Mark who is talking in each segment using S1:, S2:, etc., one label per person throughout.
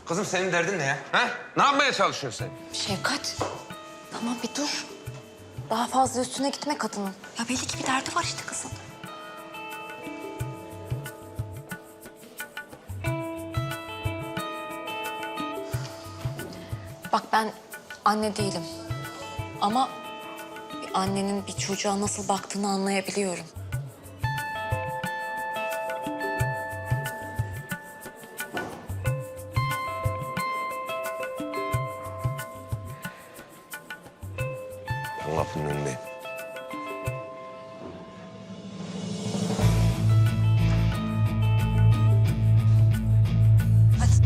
S1: Kızım senin derdin ne ya? Ha? Ne yapmaya çalışıyorsun sen?
S2: Şefkat, tamam bir dur. Daha fazla üstüne gitme kadının. Ya belli ki bir derdi var işte kızın. Bak ben anne değilim. Ama bir annenin bir çocuğa nasıl baktığını anlayabiliyorum.
S1: Ben kapının önündeyim.
S2: Hadi.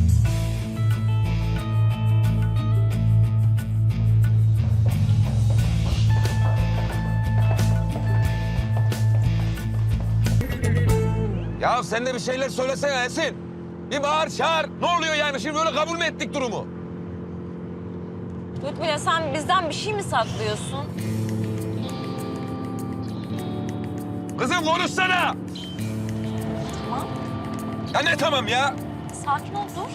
S1: Ya sen de bir şeyler söylesene Esin. Bir bağır çağır. Ne oluyor yani? Şimdi böyle kabul mü ettik durumu?
S3: Lütfüyle sen bizden bir şey mi saklıyorsun?
S1: Kızım konuşsana.
S3: Tamam.
S1: Ya ne tamam ya?
S3: Sakin ol dur.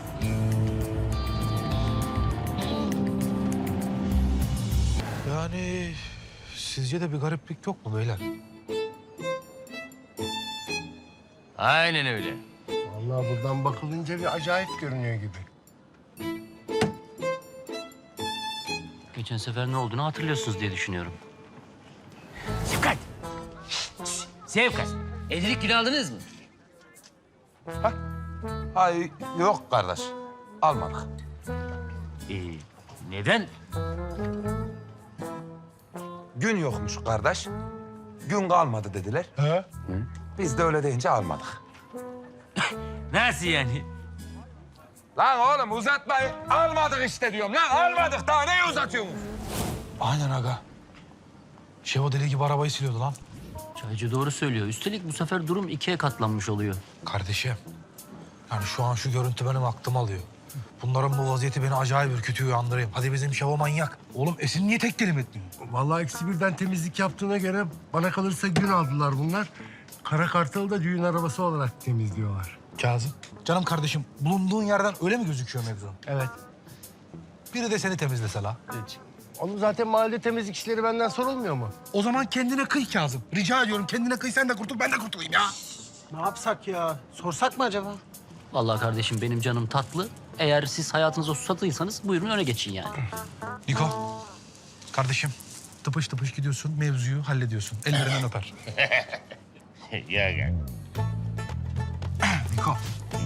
S4: Yani sizce de bir gariplik yok mu beyler?
S5: Aynen öyle.
S6: Vallahi buradan bakılınca bir acayip görünüyor gibi.
S5: Geçen sefer ne olduğunu hatırlıyorsunuz diye düşünüyorum. Sevkat! Sevkat! Evlilik günü aldınız mı?
S1: Ay yok kardeş. Almadık.
S5: Ee, neden?
S1: Gün yokmuş kardeş. Gün kalmadı dediler.
S6: He?
S1: Biz de öyle deyince almadık.
S5: Nasıl yani?
S1: Lan oğlum uzatmayın. Almadık işte diyorum lan. Almadık daha neyi uzatıyorsunuz?
S4: Aynen aga. Şevo deli gibi arabayı siliyordu lan.
S5: Çaycı doğru söylüyor. Üstelik bu sefer durum ikiye katlanmış oluyor.
S4: Kardeşim. Yani şu an şu görüntü benim aklım alıyor. Bunların bu vaziyeti beni acayip ürkütüyor, uyandırayım. Hadi bizim Şevo manyak. Oğlum Esin niye tek telim etmiyor?
S6: Vallahi eksi birden temizlik yaptığına göre bana kalırsa gün aldılar bunlar. Kara Kartal'ı da düğün arabası olarak temizliyorlar.
S4: Kazım. Canım kardeşim, bulunduğun yerden öyle mi gözüküyor mevzu?
S6: Evet.
S4: Biri de seni temizlese la.
S6: Onun zaten mahallede temizlik işleri benden sorulmuyor mu?
S4: O zaman kendine kıy Kazım. Rica ediyorum kendine kıy, sen de kurtul, ben de kurtulayım ya.
S7: Ne yapsak ya? Sorsak mı acaba?
S5: Vallahi kardeşim benim canım tatlı. Eğer siz hayatınıza susatıysanız buyurun öne geçin yani.
S4: Niko, kardeşim tıpış tıpış gidiyorsun, mevzuyu hallediyorsun. Ellerinden öper. Niko.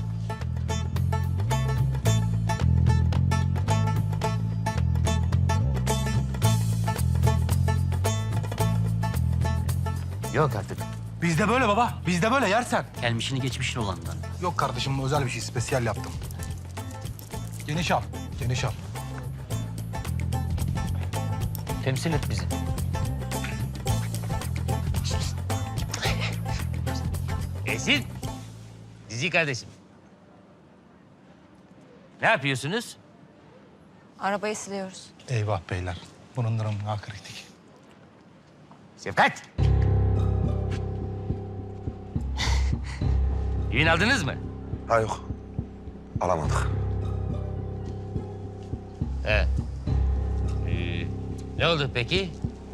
S5: Yok artık.
S4: Bizde böyle baba, bizde böyle yersen.
S5: Gelmişini geçmişini olandan.
S4: Yok kardeşim, özel bir şey, spesiyel yaptım. Geniş al, geniş al.
S5: Temsil et bizi. Esin. Dizi kardeşim. Ne yapıyorsunuz?
S2: Arabayı siliyoruz.
S4: Eyvah beyler, bunun durumu daha kritik.
S5: Sevkat. Düğün aldınız mı?
S1: Ha yok. Alamadık.
S5: He. Ne oldu peki?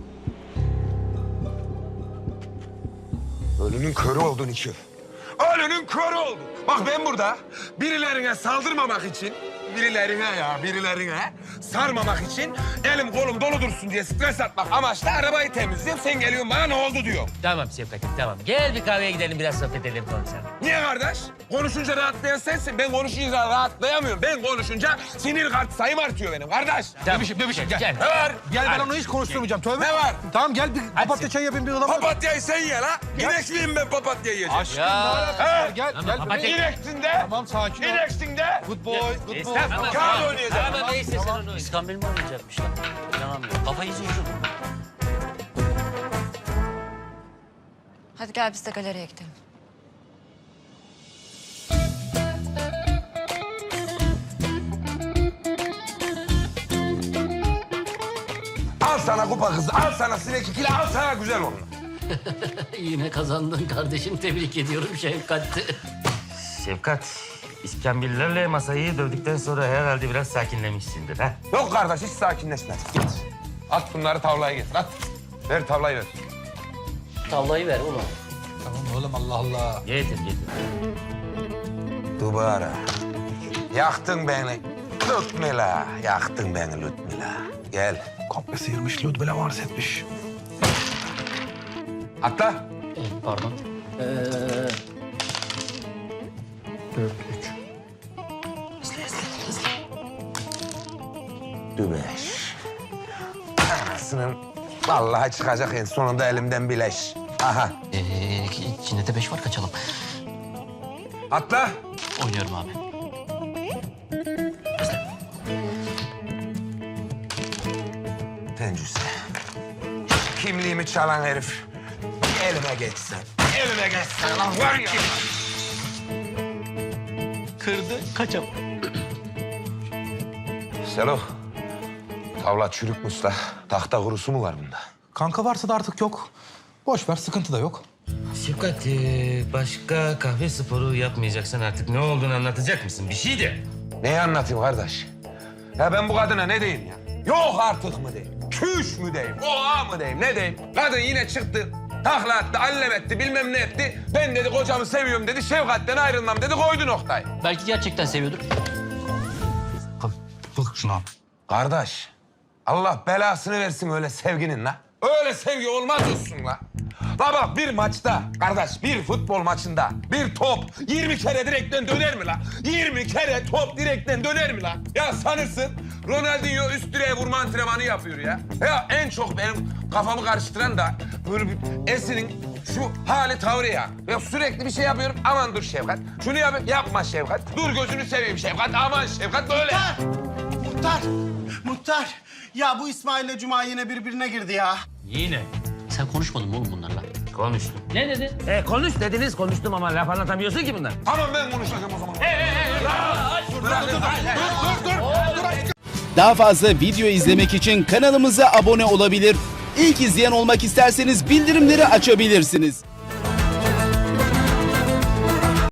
S1: Ölünün körü oldun iki. Ölünün körü oldun. Bak ben burada birilerine saldırmamak için, birilerine sarmamak için elim kolum dolu dursun diye stres atmak amaçlı arabayı temizliyorum. Sen geliyorsun bana ne oldu diyor.
S5: Tamam Sevkat'ım tamam. Gel bir kahveye gidelim biraz sohbet edelim konuşalım.
S1: Niye kardeş? Konuşunca rahatlayan sensin. Ben konuşunca rahatlayamıyorum. Ben konuşunca sinir sayım artıyor benim kardeş.
S5: Tamam.
S4: Bebişim gel.
S5: Gel.
S1: Ne var?
S4: Gel ben
S5: Hadi.
S4: onu hiç konuşturmayacağım. Tövbe.
S1: Ne var?
S4: Tamam gel bir papatya çay yapayım bir ılamur.
S1: Papatyayı sen ye la. İnek miyim ben papatya yiyeceğim?
S4: Aşkım
S5: Ya.
S4: ne alakası var? Gel
S5: Tamam,
S4: gel.
S5: papatya-
S4: bebeğim.
S1: İneksin de.
S4: Tamam sakin ol.
S1: İneksin de.
S4: Good boy, good boy.
S5: Estağfurullah.
S1: Kağıt oynayacağım.
S5: Tamam neyse sen onu. İskambil mi oynayacakmışlar? İnanamıyorum. Kafayı yiyeceğim.
S2: Hadi gel biz de galeriye gidelim.
S1: Al sana kupa kızı, al sana sinek ikili, al sana güzel onu.
S5: Yine kazandın kardeşim. Tebrik ediyorum Şefkat. Şefkat,
S8: İskambillerle masayı dövdükten sonra herhalde biraz sakinlemişsindir ha?
S1: Yok kardeş hiç sakinleşmez. Git. At bunları tavlaya getir at. Ver tavlayı ver.
S5: Tavlayı ver oğlum.
S4: Tamam oğlum Allah Allah.
S8: Getir getir.
S1: Dubara. Yaktın beni. Lütmila. Yaktın beni Lütmila. Gel.
S4: Komple sıyırmış, Ludmila vars etmiş.
S1: Atla.
S5: Pardon.
S1: 5. Anasının vallahi çıkacak en sonunda elimden bileş. Aha.
S5: İçinde de 5 var, kaçalım.
S1: Atla.
S5: Oynuyorum abi.
S1: Tencüse. Kimliğimi çalan herif. Elime geçsen. Elime geçsen. Lan var ya.
S5: Kırdı, kaçalım.
S1: Selo. Tavla çürük musta. Tahta kurusu mu var bunda?
S4: Kanka varsa da artık yok. Boş ver, sıkıntı da yok.
S8: Şefkat, başka kahve sporu yapmayacaksan artık ne olduğunu anlatacak mısın? Bir şey de.
S1: Neyi anlatayım kardeş? Ya ben bu kadına ne diyeyim ya? Yok artık mı diyeyim? Küş mü diyeyim? Oha mı diyeyim? Ne diyeyim? Kadın yine çıktı. Takla attı, allem etti, bilmem ne etti. Ben dedi kocamı seviyorum dedi. Şefkatten ayrılmam dedi. Koydu noktayı.
S5: Belki gerçekten seviyordur.
S4: Bak şuna.
S1: Kardeş, Allah belasını versin öyle sevginin la. Öyle sevgi olmaz olsun la. La bak bir maçta, kardeş bir futbol maçında bir top 20 kere direkten döner mi la? 20 kere top direkten döner mi la? Ya sanırsın Ronaldinho üst direğe vurma antrenmanı yapıyor ya. Ya en çok benim kafamı karıştıran da böyle bir Esin'in şu hali tavrı ya. Ya sürekli bir şey yapıyorum. Aman dur Şefkat. Şunu yapayım. Yapma Şefkat. Dur gözünü seveyim Şefkat. Aman Şefkat böyle.
S7: Muhtar. Ya bu İsmail'le Cuma yine birbirine girdi ya.
S8: Yine.
S5: Sen konuşmadın mı oğlum bunlarla?
S8: Konuştum.
S5: Ne dedi?
S8: Konuş dediniz, konuştum ama laf anlatamıyorsun ki bunlar.
S1: Tamam ben konuşacağım o zaman.
S9: Daha fazla video izlemek için kanalımıza abone olabilir. İlk izleyen olmak isterseniz bildirimleri açabilirsiniz.